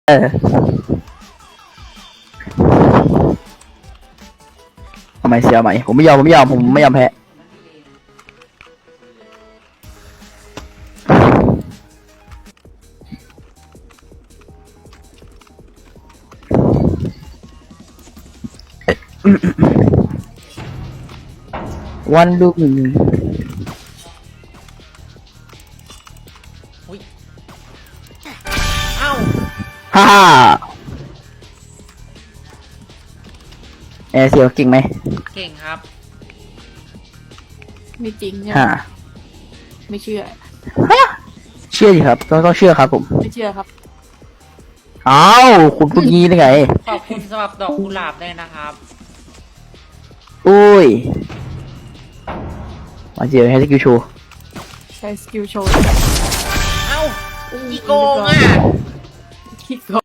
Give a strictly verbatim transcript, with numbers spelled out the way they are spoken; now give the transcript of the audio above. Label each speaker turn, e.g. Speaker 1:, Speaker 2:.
Speaker 1: เออเอาใหม่เสียใหม่ผมไม่ยอมผมไม่ยอมผมไม่ยอมแพ้วันดูหนึ่ง
Speaker 2: อุ้ยเอ้า
Speaker 1: ฮ่าฮ่าแอร์เสียวเก่งไหม
Speaker 2: เก่งครับ
Speaker 3: ไม่จริงเนี่ย
Speaker 1: ฮ่า
Speaker 3: ไม่เชื่อ
Speaker 1: เชื่อดิครับต้องต้องเชื่อครับผม
Speaker 3: ไม่เชื่อครับ
Speaker 1: อ้าวคุณพูดงี้ได้ไง
Speaker 2: ขอบคุณสำหรับดอกกุหลาบด้วยนะครับ
Speaker 1: อุ้ยมาเจอให้สกิลโชว์
Speaker 3: ใช้สกิลโชว์
Speaker 2: เอ้าอีโกงอ่ะ
Speaker 3: คิดโก